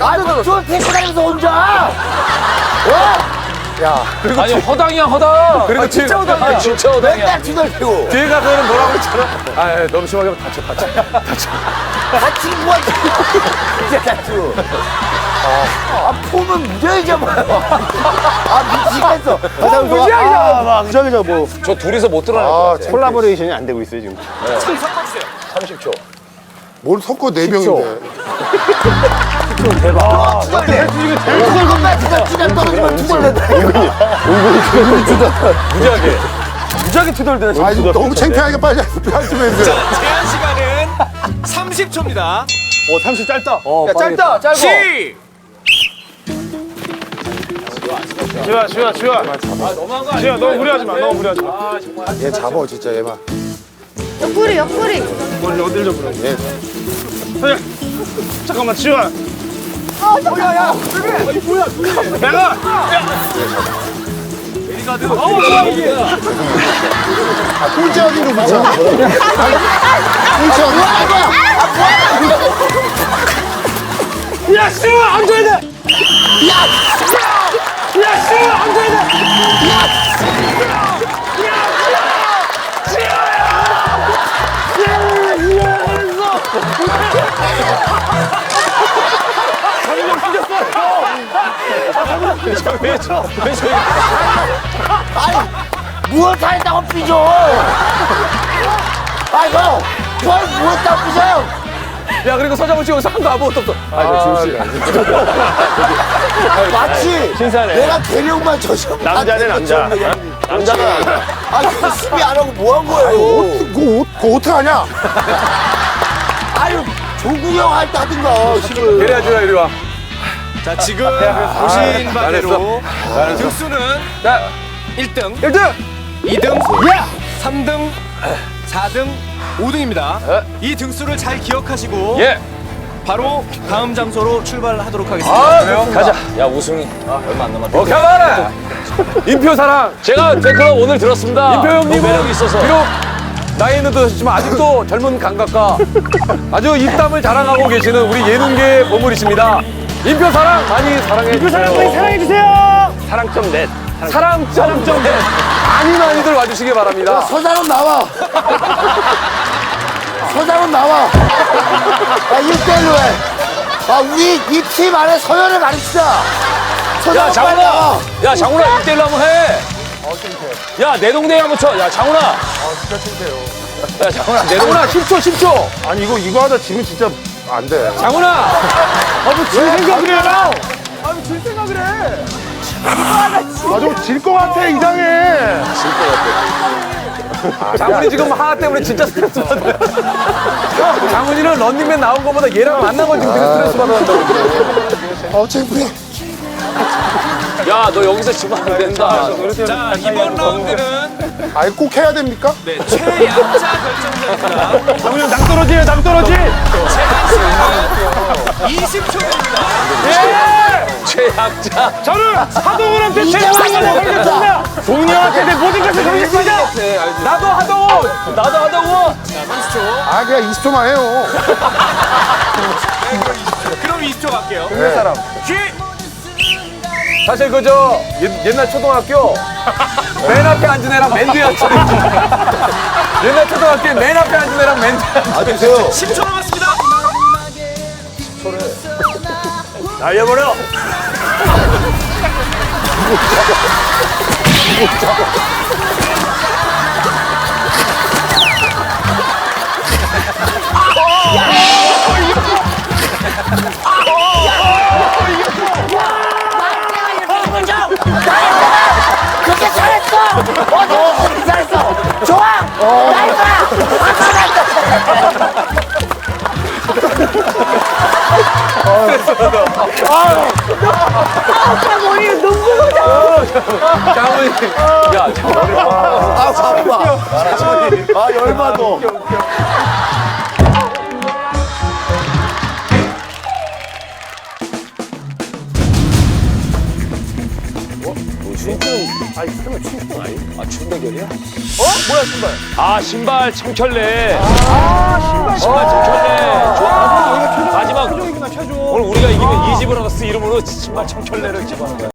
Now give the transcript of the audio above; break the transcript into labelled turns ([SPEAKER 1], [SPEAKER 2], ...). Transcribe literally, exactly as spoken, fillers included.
[SPEAKER 1] 깜짝 놀랐어.
[SPEAKER 2] 아, 데리고 다니면서 혼자. 어?
[SPEAKER 1] 야, 그리고
[SPEAKER 3] 아니 허당이야 허당.
[SPEAKER 1] 그리고 진짜 허당이야.
[SPEAKER 3] 아, 진짜 허당이야.
[SPEAKER 2] 맨날 뒤돌리고.
[SPEAKER 1] 뒤에 가서는 뭐라고 했잖아. 아, 야, 너무 심하게 하면 다쳐, 다쳐, 다쳐.
[SPEAKER 2] 다치고 뭐 진짜 다치고. 아, 폼은 무지하게 잡아요. 아, 미치겠어.
[SPEAKER 4] 아, 무지하게 잡아. 막 무지하게 잡아.
[SPEAKER 3] 저 둘이서 못 드러날 것
[SPEAKER 4] 아,
[SPEAKER 3] 같아.
[SPEAKER 4] 콜라보레이션이 안 되고 있어요, 지금.
[SPEAKER 3] 삼십 초.
[SPEAKER 5] 뭘 섞어 네 명인데.
[SPEAKER 2] 이것만 진짜 찌가 떨어지면 두 번 낸다.
[SPEAKER 3] 무지하게.
[SPEAKER 4] 무지하게 투덜대네.
[SPEAKER 5] 아, 이거 너무 창피하게 빨리 빨리 좀 해주세요.
[SPEAKER 6] 제한 시간은 삼십 초입니다.
[SPEAKER 4] 어, 삼십 짧다.
[SPEAKER 1] 어, 야, 짧다, 짧아.
[SPEAKER 6] 시!
[SPEAKER 4] 지우야, 지우야, 지우야.
[SPEAKER 3] 아 너무한 거 아니야?
[SPEAKER 4] 지우야, 너무 무리하지 마. 너무 무리하지 마.
[SPEAKER 5] 얘 잡어 진짜 얘만.
[SPEAKER 7] 옆구리 옆구리.
[SPEAKER 4] 어디, 어딜 좀 그래.
[SPEAKER 5] 얘
[SPEAKER 4] 야, 잠깐만, 지우야.
[SPEAKER 7] 어 잠깐. 야,
[SPEAKER 4] 내가!
[SPEAKER 5] 꼴찌 어디로 붙여? 꼴찌 어디?
[SPEAKER 4] 야, 지우야, 안 줘야 돼! 야, 지우야! 야, 지우야, 안 줘야 돼!
[SPEAKER 2] 무엇 하겠다고 삐져. 아이고, 뭘 무엇다고 삐져요.
[SPEAKER 1] 야, 그리고 서장훈 씨 여기서 한도 아무것도 없어. 아, 저 지우 씨.
[SPEAKER 2] 마치
[SPEAKER 4] 신사네.
[SPEAKER 2] 내가 대령만 저시험
[SPEAKER 4] 남자네, 남자. 남자가 남자.
[SPEAKER 2] 아, 그 수비 안 하고 뭐 한 거예요?
[SPEAKER 5] 그거, 그거 어떻게 하냐?
[SPEAKER 2] 아유, 조국이 형 할 때 하든가, 실을.
[SPEAKER 1] 그래야 주라, 이리 와.
[SPEAKER 6] 자, 지금 보신 바대로 등수는
[SPEAKER 1] 자,
[SPEAKER 6] 일 등,
[SPEAKER 1] 일 등!
[SPEAKER 6] 이 등, 삼 등, 사 등, 오 등입니다. 이 등수를 잘 기억하시고
[SPEAKER 3] 예.
[SPEAKER 6] 바로 다음 장소로 출발하도록 하겠습니다.
[SPEAKER 1] 아, 그래요?
[SPEAKER 3] 가자. 야 우승이 얼마 안 남았다.
[SPEAKER 1] 오케이, 가라! 인표 사랑.
[SPEAKER 3] 제가 팬클럽 오늘 들었습니다.
[SPEAKER 1] 인표
[SPEAKER 3] 너무
[SPEAKER 1] 형님은
[SPEAKER 3] 매력 있어서.
[SPEAKER 1] 비록 나이는 드셨지만 아직도 젊은 감각과 아주 입담을 자랑하고 계시는 우리 예능계의 보물이십니다. 인표 사랑 많이 사랑해 주세요.
[SPEAKER 4] 사랑 많이 사랑해주세요! 사랑점 넷.
[SPEAKER 1] 사랑점 넷 많이 많이들 와주시기 바랍니다.
[SPEAKER 2] 서장훈 나와. 서장훈 나와. 야, 일대일로 해. 아, 우리 이 팀 안에 서열을 가르치자.
[SPEAKER 3] 야
[SPEAKER 2] 서장훈 빨리
[SPEAKER 3] 장훈아.
[SPEAKER 2] 나와.
[SPEAKER 3] 야 장훈아 일 대일로 한번 해. 야 내 동네 한번 쳐. 야 장훈아. 아 진짜 창피해요. 야 장훈아 내 동네.
[SPEAKER 1] 장훈아 십 초 십 초.
[SPEAKER 5] 아니 이거 이거 하다 지면 진짜 안 돼.
[SPEAKER 1] 장훈아.
[SPEAKER 4] 질 생각을 해라!
[SPEAKER 5] 아 좀 질 것 같아 이상해.
[SPEAKER 1] 장훈이 지금 하나 때문에 진짜 스트레스 받아. 장훈이는 런닝맨 나온 것보다 얘랑 만난 거 지금 되게 스트레스 받아한다고.
[SPEAKER 5] 어 창피해.
[SPEAKER 3] 야 너 여기서 지면 안 된다.
[SPEAKER 6] 자, 이번 라운드는
[SPEAKER 5] 아이 꼭 해야 됩니까?
[SPEAKER 6] 네, 최약자 결정전입니다.
[SPEAKER 4] 장훈이 형 낭떠러지예요, 낭떠러지!
[SPEAKER 6] 이십 초입니다.
[SPEAKER 3] 최약자.
[SPEAKER 4] 저는 하동훈한테
[SPEAKER 2] 이제
[SPEAKER 4] 최선을
[SPEAKER 2] 와서
[SPEAKER 4] 다하겠습니다! 동훈이 형한테 내 모든 것을 걸겠습니다!
[SPEAKER 1] 나도 하동훈.
[SPEAKER 3] 나도 하다고.
[SPEAKER 5] 아 그냥 이십 초만 해요.
[SPEAKER 6] 그럼 이십 초 갈게요.
[SPEAKER 1] 동네 사람.
[SPEAKER 6] 시!
[SPEAKER 1] 사실 그저 옛날 초등학교 맨 앞에 앉은 애랑 맨 뒤에 앉은 애. 옛날 초등학교에 맨 앞에 앉은 애랑 맨 뒤에 앉은 애.
[SPEAKER 2] 아, 주세요.
[SPEAKER 6] 십 초 남았습니다.
[SPEAKER 4] 날려버려!
[SPEAKER 2] 그렇게 잘했어. 어, 너 그렇게 잘했어. 좋아. 나이 거야.
[SPEAKER 7] 아빠 머리 눈물 나.
[SPEAKER 1] 장훈이.
[SPEAKER 3] 야 장훈아.
[SPEAKER 2] 아, 바빠. 아, 열받어.
[SPEAKER 3] 뭐지?
[SPEAKER 5] 아니 그러면 칭찬 아니?
[SPEAKER 3] 아, 춘대결이야?
[SPEAKER 1] 어? 뭐야 신발?
[SPEAKER 3] 아, 신발 청켤레. 아, 신발, 신발 청켤레. 좋아. 마지막. 오늘 우리가 이기면 이지브라더스 이름으로 신발 청켤레를 집어넣는 거야.